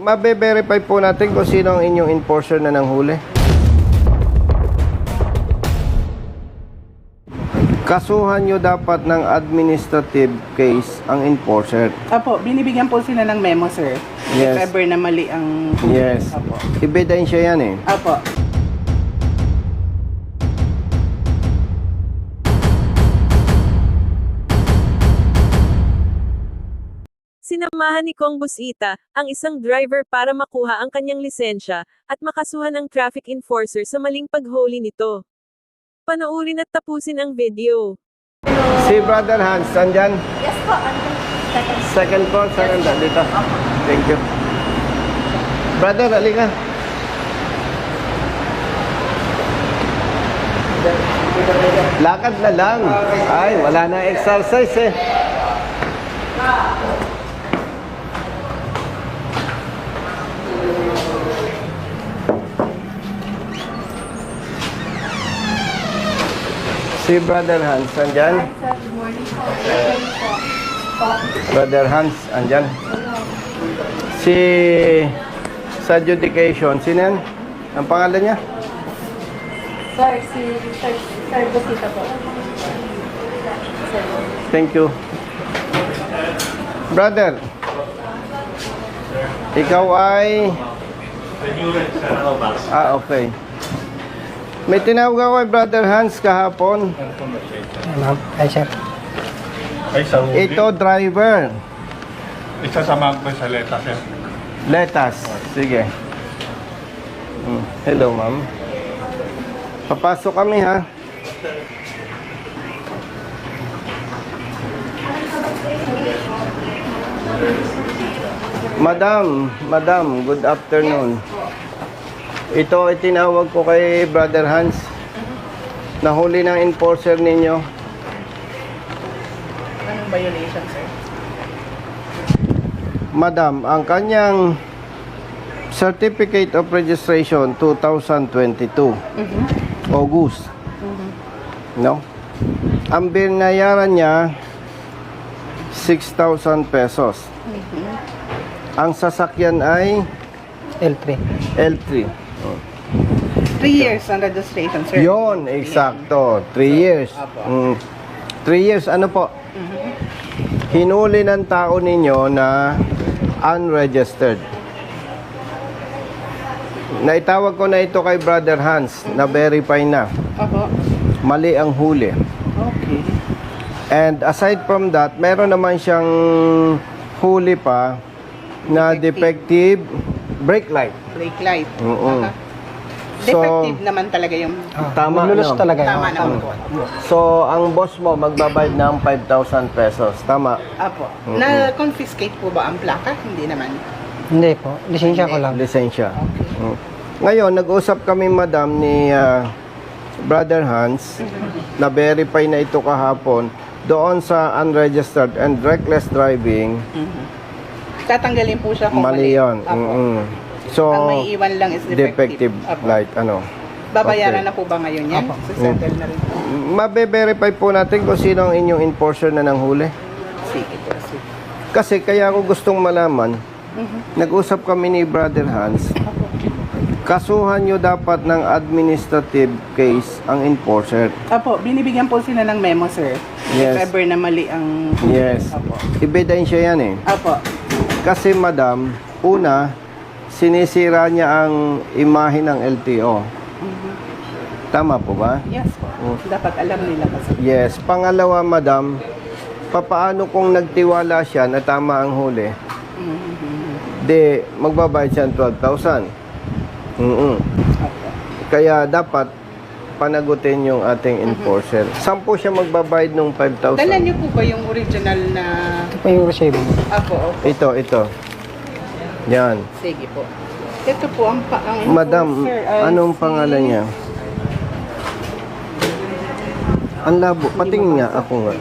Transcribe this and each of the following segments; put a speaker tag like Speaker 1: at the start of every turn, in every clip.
Speaker 1: mabe-verify po natin kung sino ang inyong enforcer na nanghuli. Kasuhan nyo dapat ng administrative case ang enforcer.
Speaker 2: Apo, binibigyan po sila ng memo, sir.
Speaker 1: Yes.
Speaker 2: If ever na mali ang...
Speaker 1: Yes.
Speaker 2: Apo.
Speaker 1: Ebidensya yan eh.
Speaker 2: Apo.
Speaker 3: Sinamahan ni Kong Busita, ang isang driver para makuha ang kanyang lisensya, at makasuhan ng traffic enforcer sa maling paghuli nito. Panoorin at tapusin ang video.
Speaker 1: Si Brother Hans, andyan?
Speaker 4: Yes po,
Speaker 1: Second floor, second dito. Thank you. Brother, halika. Lakad na lang. Ay, wala na exercise eh. Si Brother Hans, andyan?
Speaker 4: Good morning po.
Speaker 1: Brother Hans, andyan? Si sa adjudication, sino yan? Ang pangalan niya?
Speaker 4: Sir, Sir Busita po. Sir.
Speaker 1: Thank you. Brother, ikaw ay... okay. May tinawag ako kay Brother Hans kahapon.
Speaker 5: Ma'am, ay sir.
Speaker 6: Ay, sa huli.
Speaker 1: Ito, driver.
Speaker 6: Isasamahan ko sa letas, sir.
Speaker 1: Letas. Sige. Hello, ma'am. Papasok kami, ha? Madam, good afternoon. Ito ay tinawag ko kay Brother Hans. Nahuli ng enforcer ninyo.
Speaker 2: Anong violation, sir?
Speaker 1: Madam, ang kanyang Certificate of Registration 2022, August. No? Ang binayaran niya 6,000 pesos. Ang sasakyan ay
Speaker 5: L3.
Speaker 1: L3.
Speaker 2: 3 years on registration, sir.
Speaker 1: Yon, eksakto. 3 years. 3 years, ano po? Hinuli ng tao ninyo na unregistered. Naitawag ko na ito kay Brother Hans, na verify na.
Speaker 2: Apo.
Speaker 1: Mali ang huli.
Speaker 2: Okay.
Speaker 1: And aside from that, meron naman siyang huli pa na defective brake light.
Speaker 2: Brake light.
Speaker 1: Oo.
Speaker 2: Aha.
Speaker 1: So,
Speaker 2: Defective naman talaga yung...
Speaker 1: tama,
Speaker 5: Maglulus
Speaker 1: no?
Speaker 5: talaga yun.
Speaker 2: Tama naman po.
Speaker 1: So, ang boss mo magbabayad ng 5,000 pesos. Tama?
Speaker 2: Apo. Na-confiscate po ba ang plaka? Hindi naman.
Speaker 5: Hindi po, lisensya ko lang.
Speaker 1: Lisensya. Ngayon, nag-usap kami, madam, ni Brother Hans, na verify na ito kahapon doon sa unregistered and reckless driving.
Speaker 2: Tatanggalin po siya kung
Speaker 1: Mali yun.
Speaker 2: Apo.
Speaker 1: So,
Speaker 2: Ang may iwan lang is defective. Apo.
Speaker 1: light, ano.
Speaker 2: Babayaran
Speaker 1: Okay.
Speaker 2: na po ba ngayon yan?
Speaker 5: Apo.
Speaker 2: Settle na rin po.
Speaker 1: Mabe-verify po natin kung sino ang inyong enforcer na nanghuli.
Speaker 2: Sige po. Sige.
Speaker 1: Kasi kaya ako gustong malaman, nag-usap kami ni Brother Hans, kasuhan nyo dapat ng administrative case ang enforcer.
Speaker 2: Apo, binibigyan po sila ng memo, sir.
Speaker 1: Yes.
Speaker 2: If ever na mali ang...
Speaker 1: Yes.
Speaker 2: Apo.
Speaker 1: Ebidensya yan eh.
Speaker 2: Apo.
Speaker 1: Kasi madam, una, sinisira niya ang imahe ng LTO. Tama po ba?
Speaker 2: Yes po. Dapat alam nila kasi.
Speaker 1: Yes. Pangalawa, madam, papaano kung nagtiwala siya na tama ang huli? Di, magbabayad siya ng 12,000.
Speaker 2: Apo.
Speaker 1: Kaya dapat panagutin yung ating enforcer. Saan po siya magbabayad ng 5,000?
Speaker 2: Dala niyo po ba yung original na...
Speaker 5: Ito po yung resibo.
Speaker 2: Apo, opo.
Speaker 1: Ito. Yan.
Speaker 2: Sige po. Ito po ang
Speaker 1: Madam,
Speaker 2: enforcer ay
Speaker 1: anong
Speaker 2: si-
Speaker 1: pangalan niya? Ang labo. Patingin nga ako nga.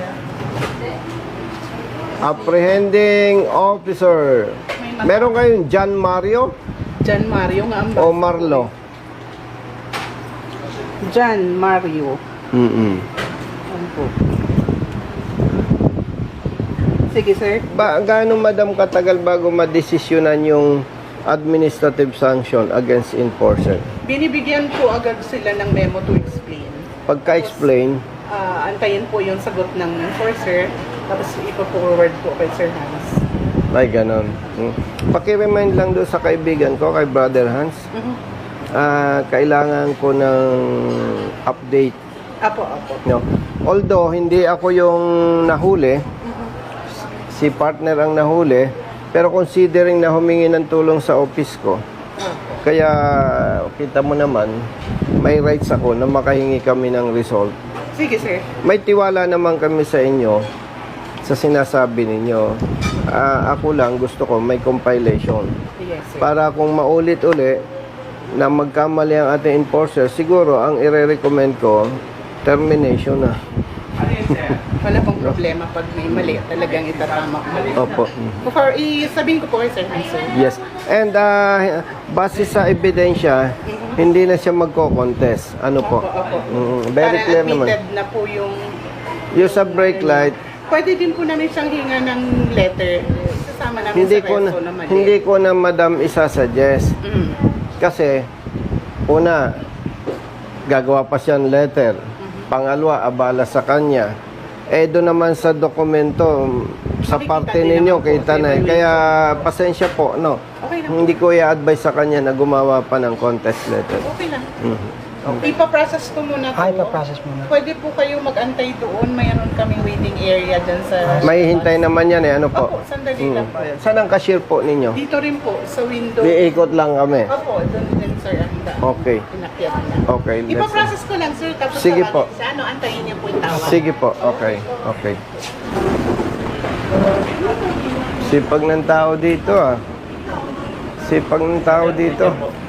Speaker 1: Apprehending officer. Meron kayong John Mario
Speaker 2: John Mario nga ang
Speaker 1: o Marlo?
Speaker 2: John Mario. Ano po? Sige, sir.
Speaker 1: Gaano madam katagal bago madesisyonan yung administrative sanction against enforcer?
Speaker 2: Binibigyan po agad sila ng memo to explain.
Speaker 1: Pagka-explain,
Speaker 2: Antayin po yung sagot ng enforcer, tapos ipo-forward po kay Sir Hans.
Speaker 1: ay ganon. Paki-remind lang doon sa kaibigan ko, kay Brother Hans. Kailangan ko ng update.
Speaker 2: Apo.
Speaker 1: No. Although, hindi ako yung nahuli, si partner ang nahuli, pero considering na humingi ng tulong sa office ko, kaya kita mo naman, may rights ako na makahingi kami ng result.
Speaker 2: Sige, sir.
Speaker 1: May tiwala naman kami sa inyo sa sinasabi ninyo. Ako lang gusto ko may compilation.
Speaker 2: Yes, sir.
Speaker 1: Para kung maulit-uli na magkamali ang ating enforcer, siguro ang ire-recommend ko, termination na.
Speaker 2: Wala pong problema pag may mali, talagang itatama ko.
Speaker 1: Opo.
Speaker 2: Before, sabihin ko po kay Sir Hans, sir.
Speaker 1: Yes. And base sa ebidensya, hindi na siya magko-contest. Ano po?
Speaker 2: Opo.
Speaker 1: Very
Speaker 2: Para
Speaker 1: clear naman.
Speaker 2: admitted na po yung...
Speaker 1: Yung sa brake light,
Speaker 2: Pwede din po namin siyang hinga ng letter. Sasama namin
Speaker 1: hindi
Speaker 2: sa
Speaker 1: ko na,
Speaker 2: reso na mali.
Speaker 1: hindi ko na madam isasuggest.
Speaker 2: Mm.
Speaker 1: Kasi, una, gagawa pa siyang letter. Pangalawa, abala sa kanya. Doon naman sa dokumento, sa
Speaker 2: Makikita
Speaker 1: parte
Speaker 2: din
Speaker 1: ninyo,
Speaker 2: naman po,
Speaker 1: kita na.
Speaker 2: evaluation.
Speaker 1: Kaya, pasensya po, no?
Speaker 2: Okay lang.
Speaker 1: Hindi ko i-advise sa kanya na gumawa pa ng contest letter.
Speaker 2: Okay lang.
Speaker 1: Mhm.
Speaker 2: Ipaprocess ko muna po.
Speaker 5: Ipa-process muna.
Speaker 2: Pwede po kayo mag-antay doon. Mayroon kaming waiting area dyan sa...
Speaker 1: May hintay naman yan eh, ano po?
Speaker 2: Opo, sandali lang po.
Speaker 1: Saan ang cashier po ninyo?
Speaker 2: Dito rin po, sa window.
Speaker 1: Iikot lang kami.
Speaker 2: Opo, doon din, sir.
Speaker 1: Okay.
Speaker 2: Pinakyat na.
Speaker 1: Okay, let's-
Speaker 2: Ipaprocess ko lang, sir. Tapos
Speaker 1: Sige
Speaker 2: tawagin
Speaker 1: po.
Speaker 2: siya. Ano, antayin niyo po yung tawag.
Speaker 1: Sige po, okay. Okay. Sipag ng tao dito ah. Sipag ng tao dito.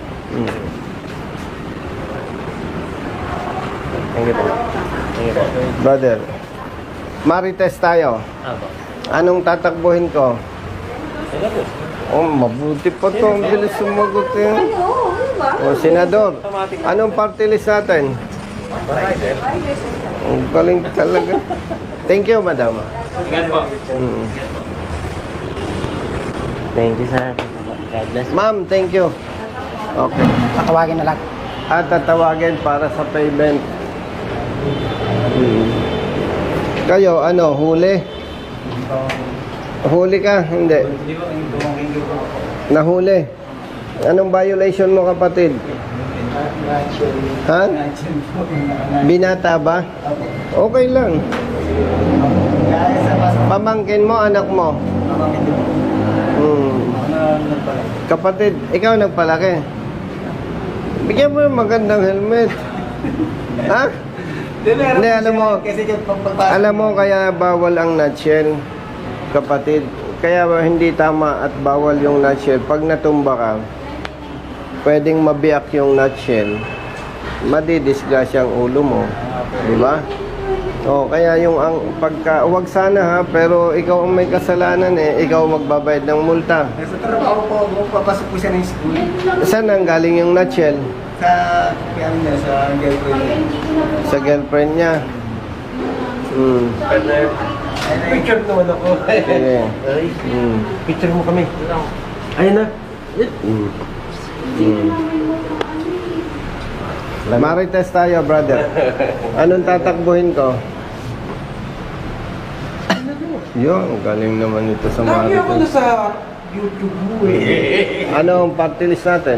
Speaker 1: Thank you po. Brother, marites tayo. Anong tatakbuhin ko? Oh, mabuti pa to. Ang bilis sumagot eh. Oh, Senador, anong party list natin? Ang galing talaga. Thank you, madam.
Speaker 7: Thank you, sir. God bless.
Speaker 1: Ma'am, thank you. Okay.
Speaker 5: Tatawagin na lang.
Speaker 1: At tatawagin para sa payment. Kayo, ano, huli? Huli ka? Hindi. Nahuli. Anong violation mo, kapatid? Ha? Binata ba? Okay lang. Pamangkin mo, anak mo? Kapatid, ikaw nagpalaki. Bigyan mo ng magandang helmet. Ha? Hindi, alam mo kaya bawal ang nutshell, kapatid. Kaya hindi tama at bawal yung nutshell. Pag natumba ka, pwedeng mabiyak yung nutshell, madidisgrasya ang ulo mo. Di ba? O, kaya yung ang pagka, wag sana ha, pero ikaw ang may kasalanan eh, ikaw magbabayad ng multa.
Speaker 8: Sa trabaho po, papasok po siya ng school.
Speaker 1: Saan ang galing yung nutshell?
Speaker 8: Sa, ano niya, sa girlfriend niya.
Speaker 1: Sa girlfriend niya.
Speaker 7: Picture naman ako.
Speaker 1: Sige.
Speaker 7: Picture mo kami. Ayun na.
Speaker 1: Marites tayo, brother. Anong tatakbuhin ko? Yun, galing naman ito sa Marites.
Speaker 8: sa YouTube mo eh.
Speaker 1: Anong party list natin?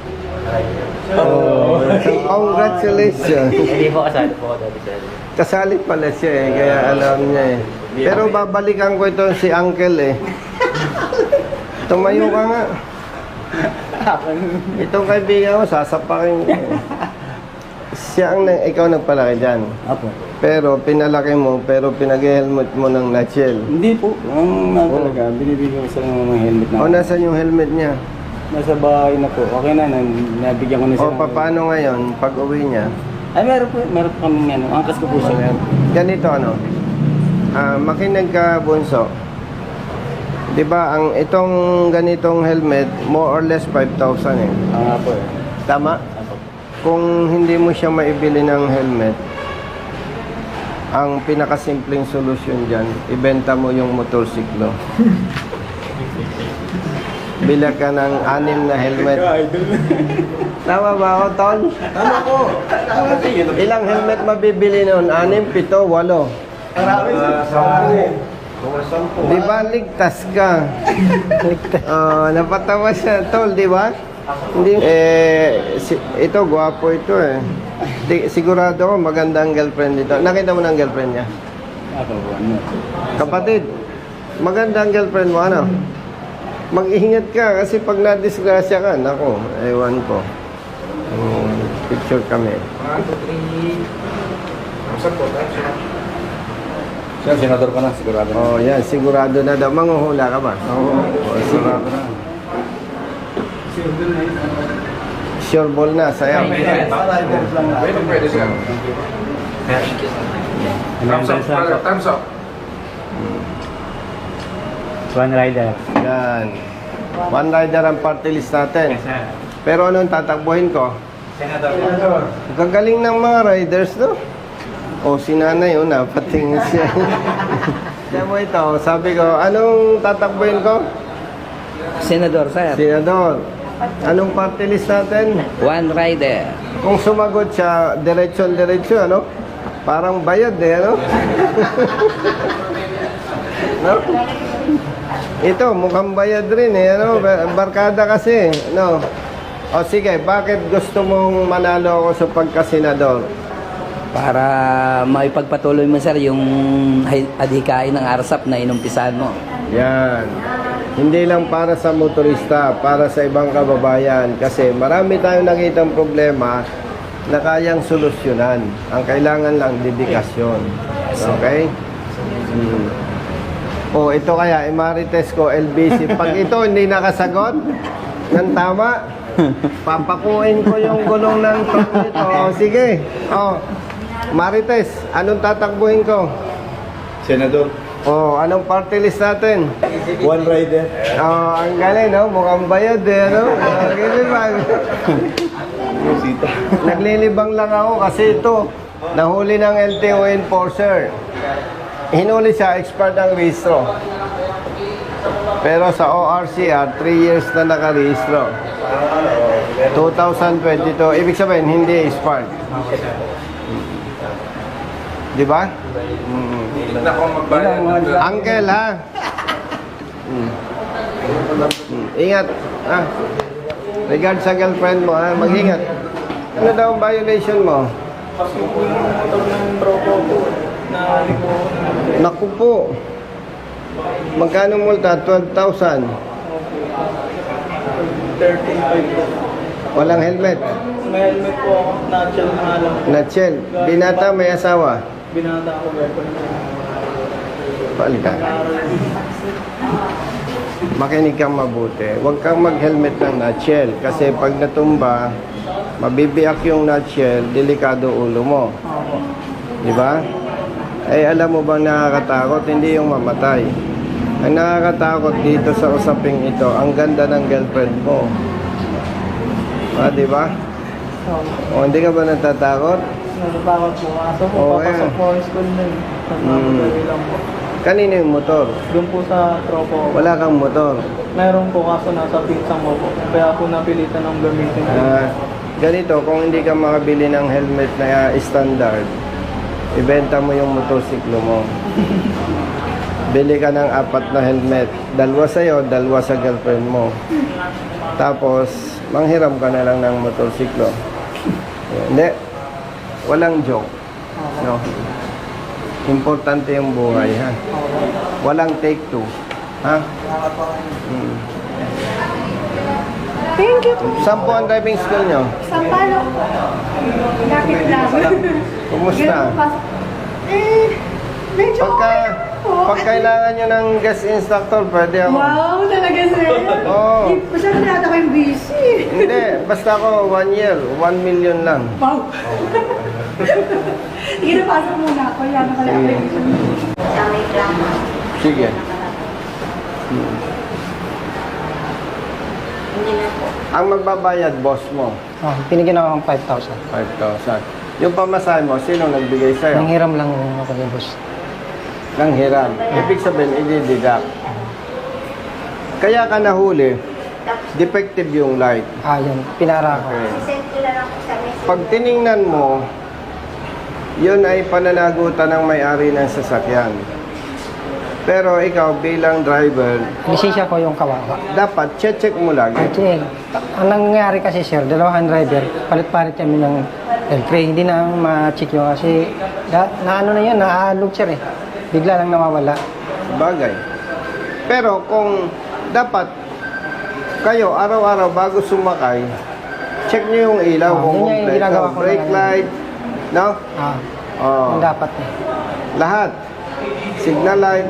Speaker 1: Oh, congratulations.
Speaker 7: Hindi po kasali po dati, sir.
Speaker 1: Kasali pala siya eh, kaya alam niya eh. Pero babalikan ko ito si Uncle eh. Tumayo ka nga. Itong kaibigan ko, sasapakin ko. Siya ang ikaw nagpalaki dyan.
Speaker 8: Apo.
Speaker 1: Pero pinalaki mo, pero pinag-helmet mo ng nutshell.
Speaker 8: Hindi po. Ang talaga, binibigyan ko sa mga helmet na.
Speaker 1: O, nasan yung helmet niya?
Speaker 8: Nasa bahay na po. Okay na, nabigyan ko na
Speaker 1: O,
Speaker 8: siya.
Speaker 1: paano ngayon, pag uwi niya?
Speaker 8: Ay, meron po kami ano. Angkas ko po siya.
Speaker 1: Ganito ano, makinig ka, Bunso. 'Di ba ang itong ganitong helmet, more or less 5,000 eh.
Speaker 8: Nga po eh.
Speaker 1: Tama? Kung hindi mo siya maibili ng helmet, Ang pinakasimpleng solusyon dyan, ibenta mo yung motorsiklo. Bila ka ng 6 na helmet. Tama ba ako, Tol?
Speaker 7: Tama po. Tama po.
Speaker 1: Ilang helmet mabibili noon? 6, 7, 8.
Speaker 7: Marami sa mga 10.
Speaker 1: Di ba ligtas ka? Napatawa siya, Tol, di ba? Hindi, ito, gwapo ito eh. Sigurado ko maganda ang girlfriend nito. Nakita mo na ang girlfriend niya?
Speaker 8: Ako po, ano?
Speaker 1: Kapatid, maganda ang girlfriend mo, ano? Mag-ingat ka kasi pag na-disgrasya ka, nako, ewan ko. Picture kami.
Speaker 8: Sir, senador ka na, sigurado na.
Speaker 1: Oh, yan, sigurado na daw. Manghuhula ka ba? Oo, sigurado na. Sure ball na, sayaw.
Speaker 6: Pwede siya. Thumbs up.
Speaker 8: One rider.
Speaker 1: Yan. One rider ang party list natin. Pero anong tatakbuhin ko?
Speaker 8: Senador.
Speaker 1: Gagaling ng mga riders, no? O, si nanay, napatingin siya. Kaya mo ito, sabi ko, anong tatakbuhin ko?
Speaker 9: Senador, sir.
Speaker 1: Senador. Anong party list natin?
Speaker 9: One rider.
Speaker 1: Kung sumagot siya, diretsyon, ano? Parang bayad eh, ano? No? Ito, mukhang bayad rin eh, ano? Barkada kasi, no? O sige, bakit gusto mong manalo ako sa pagkasenador?
Speaker 9: Para maipagpatuloy mo, sir, yung adhikain ng ARSAP na inumpisahan mo.
Speaker 1: Yan. Hindi lang para sa motorista, para sa ibang kababayan. Kasi marami tayong nakitang problema na kayang solusyonan. Ang kailangan lang, dedikasyon. Okay? O, ito kaya, Emeritus ko, LBC. Pag ito hindi nakasagot ng tama, papakuin ko yung gulong ng truck nito. O, sige. O, Marites, anong tatakbuhin ko?
Speaker 8: Senador.
Speaker 1: O, anong party list natin?
Speaker 8: One rider.
Speaker 1: Oh, ang galing, no? Mukhang bayad eh, no? Naglilibang. Naglilibang lang ako kasi ito, nahuli ng LTO enforcer. Hinuli siya, expired ang rehistro. Pero sa ORCR, 3 years na nakarehistro. 2022, ibig sabihin, hindi expired. Di ba?
Speaker 6: Hindi na akong magbayad.
Speaker 1: Uncle, ha? Ingat. Ah. Regard sa girlfriend mo, ha? Mag-ingat. Ano daw ang violation mo? Naku po. Magkano multa? 12,000.
Speaker 2: 13.5
Speaker 1: Walang helmet.
Speaker 2: May helmet po ako, nutshell na alam.
Speaker 1: Nutshell. Binata, may asawa.
Speaker 2: Binata ako girlfriend.
Speaker 1: Palitan. Makinig kang mabuti. Huwag kang mag-helmet ng nutshell. Kasi pag natumba, mabibiyak yung nutshell, delikado ulo mo. Di ba? Eh, alam mo bang nakakatakot? Hindi yung mamatay. Ang nakakatakot dito sa usaping ito, ang ganda ng girlfriend mo. Ah, di ba? O, hindi ka ba natatakot?
Speaker 2: Natatakot po. Kaso po,
Speaker 1: Oo,
Speaker 2: papasok
Speaker 1: yan.
Speaker 2: po ang school na yun. Nagmamadali lang po.
Speaker 1: Kanino yung motor?
Speaker 2: Doon po sa tropo ko.
Speaker 1: Wala kang motor.
Speaker 2: Meron po kaso nasa pinsang mo po. Kaya po napilitan ng gamitin ko.
Speaker 1: Ganito, kung hindi ka makabili ng helmet na standard, ibenta mo yung motorsiklo mo. Bili ka ng 4 na helmet. 2 sa'yo, 2 sa girlfriend mo. Tapos, manghiram ka na lang ng motorsiklo. Hindi. Walang joke. No? Importante yung buhay, ha? Walang take 2. Ha?
Speaker 4: Thank you po.
Speaker 1: Saan po ang driving school nyo?
Speaker 4: Sampalok po. Lapit lang.
Speaker 1: Kumusta?
Speaker 4: Ganun po pasok. Medyo
Speaker 1: Pag kailangan nyo ng guest instructor, pwede ako.
Speaker 4: Wow, talaga sir.
Speaker 1: Oo.
Speaker 4: Masyado na ata kayong busy.
Speaker 1: Hindi, basta ako 1 year, 1 million lang.
Speaker 4: Wow. Sige na, pasok muna ako. Yan, nakalapit.
Speaker 1: Sige. Ang magbabayad, boss mo,
Speaker 5: Oh, pinigyan ako ng 5,000.
Speaker 1: 5,000. Yung pamasahe mo, sino nagbigay sa'yo?
Speaker 5: Nanghiram lang ako yung boss.
Speaker 1: Nang hiram. Ibig sabihin, i-deduct. Kaya ka nahuli, defective yung light.
Speaker 5: Yun, pinara ko.
Speaker 1: Okay. Pag tiningnan mo, yun ay pananagutan ng may-ari ng sasakyan. Pero ikaw bilang driver,
Speaker 5: Lisensya ko yung kawawa.
Speaker 1: dapat check mo lagi.
Speaker 5: Kasi, ang nangyari kasi sir, dalawang driver, palit-palit kami ng L3. Hindi na ma-check yun kasi, na ano na yun, naaalog sir eh. Bigla lang nawawala.
Speaker 1: Bagay. Pero kung dapat kayo araw-araw bago sumakay, check nyo yung ilaw kung
Speaker 5: Yun yung
Speaker 1: complete.
Speaker 5: ginagawa ko
Speaker 1: Brake
Speaker 5: na
Speaker 1: light, no? Oh.
Speaker 5: Yung dapat eh.
Speaker 1: Lahat. Signal light.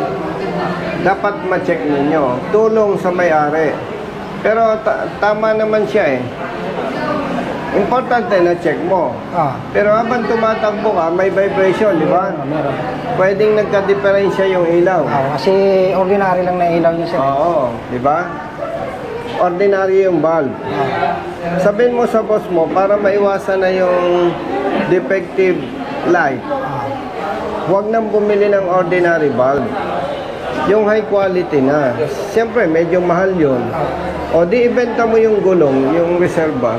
Speaker 1: Dapat ma-check ninyo. Tulong sa may-ari. Pero tama naman siya eh. Importante na check mo. Pero habang tumatakbo ka, may vibration, di ba?
Speaker 5: Meron.
Speaker 1: Pwedeng nagka-diferensya yung ilaw.
Speaker 5: Kasi ordinary lang na ilaw niya sir.
Speaker 1: Oo, di ba? Ordinary yung bulb. Sabihin mo sa boss mo para maiwasan na yung defective light. Huwag nang bumili ng ordinary bulb. Yung high quality na. Siyempre, medyo mahal yun. O di ibenta mo yung gulong, yung reserva.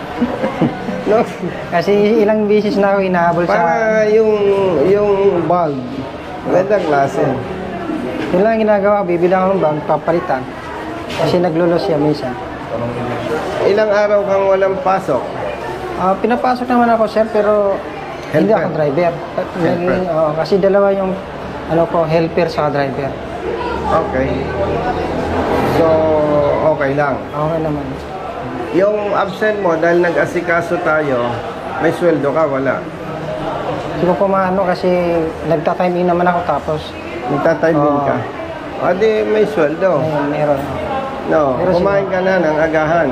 Speaker 1: No?
Speaker 5: Kasi ilang beses na ako inahabol sa...
Speaker 1: Para yung bulb, gandang klase.
Speaker 5: Yun lang ang ginagawa, bibilang ako ng bag, papalitan. Kasi naglulos siya minsan.
Speaker 1: Ilang araw kang walang pasok?
Speaker 5: Pinapasok naman ako sir, pero hindi
Speaker 1: Helper.
Speaker 5: ako driver.
Speaker 1: Helper.
Speaker 5: Kasi dalawa yung helper sa driver.
Speaker 1: Okay. So, okay lang.
Speaker 5: Okay naman.
Speaker 1: Yung absent mo dahil nag-asikaso tayo, may sweldo ka, wala.
Speaker 5: Hindi ko pumaano kasi nagta-time in naman ako tapos
Speaker 1: Nagtatiming ka. O di may sweldo.
Speaker 5: ayun, meron.
Speaker 1: No,
Speaker 5: Pero
Speaker 1: kumain ka na ng agahan.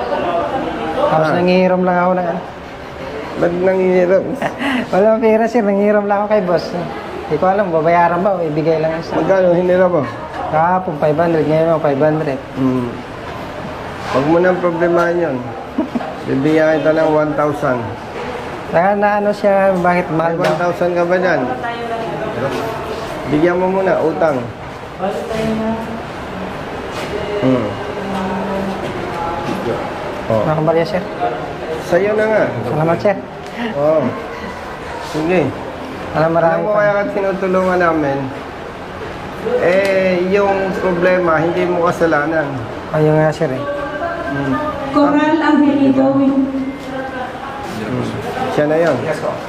Speaker 5: Tapos nangihiram lang ako ng ano.
Speaker 1: Ba't nanghihirap?
Speaker 5: Walang pera sir, nangihiram lang ako kay boss. Hindi ko alam, babayaran ba o ibigay lang sa...
Speaker 1: Magkano hinirap mo?
Speaker 5: Kahapon 500, ngayon ako 500.
Speaker 1: Huwag mo nang problemahan yun. Bibigyan kita ng 1,000.
Speaker 5: Saka na ano siya, bakit
Speaker 1: May
Speaker 5: mahal daw?
Speaker 1: 1,000 ka ba dyan? Bigyan mo muna, utang. Oh.
Speaker 5: Nakabarya sir.
Speaker 1: Sa'yo na nga.
Speaker 5: Salamat sir.
Speaker 1: Oo. Sige.
Speaker 5: Alam
Speaker 1: Alam
Speaker 5: marami
Speaker 1: mo
Speaker 5: pa.
Speaker 1: kaya ka tinutulungan namin, yung problema, hindi mo kasalanan.
Speaker 5: Ayun nga sir eh.
Speaker 4: Coral Angelido.
Speaker 1: Siya na yun.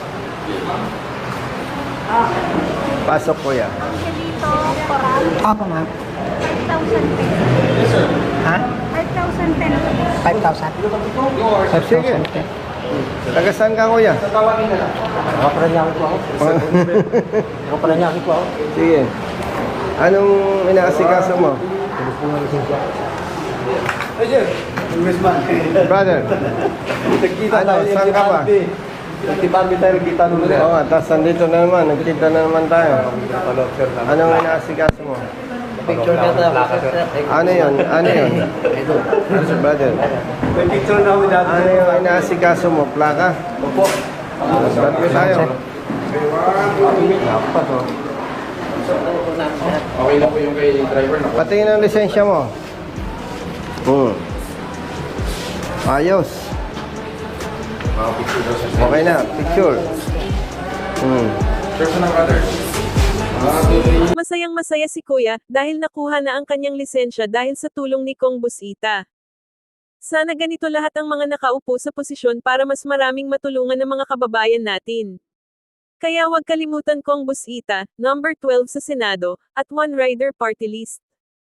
Speaker 1: Pasok ko yan.
Speaker 5: Ako ma'am.
Speaker 4: 5,000 pesos.
Speaker 5: Ha?
Speaker 4: 5,000 pesos.
Speaker 5: 5,000.
Speaker 1: Sige. Taga saan ka kuya?
Speaker 5: Nakaparanyaki ko ako. Nakaparanyaki ko ako.
Speaker 1: Sige. Anong inaasikaso mo? Brother. Ano, saan ka ba?
Speaker 7: Nagtibami tayo, nagkita nung
Speaker 1: Oo nga, tapos nandito na naman, nagkita na naman tayo. Anong inaasikaso mo?
Speaker 5: Picture ka tayo.
Speaker 1: Ano yun? Ano yun? Brother.
Speaker 7: May picture na kami dati.
Speaker 1: Ano yung inaasikaso mo? Plaka?
Speaker 7: Opo.
Speaker 1: Ba't ko tayo?
Speaker 6: Okay na po yung kay driver na po.
Speaker 1: Patingin ang lisensya mo. Ayos. Okay na, picture.
Speaker 6: Sure po ng brother.
Speaker 3: Masayang masaya si Kuya dahil nakuha na ang kanyang lisensya dahil sa tulong ni Kong Busita. Sana ganito lahat ang mga nakaupo sa posisyon para mas maraming matulungan ng mga kababayan natin. Kaya huwag kalimutan Kong Busita, number 12 sa Senado, at One Rider Party List.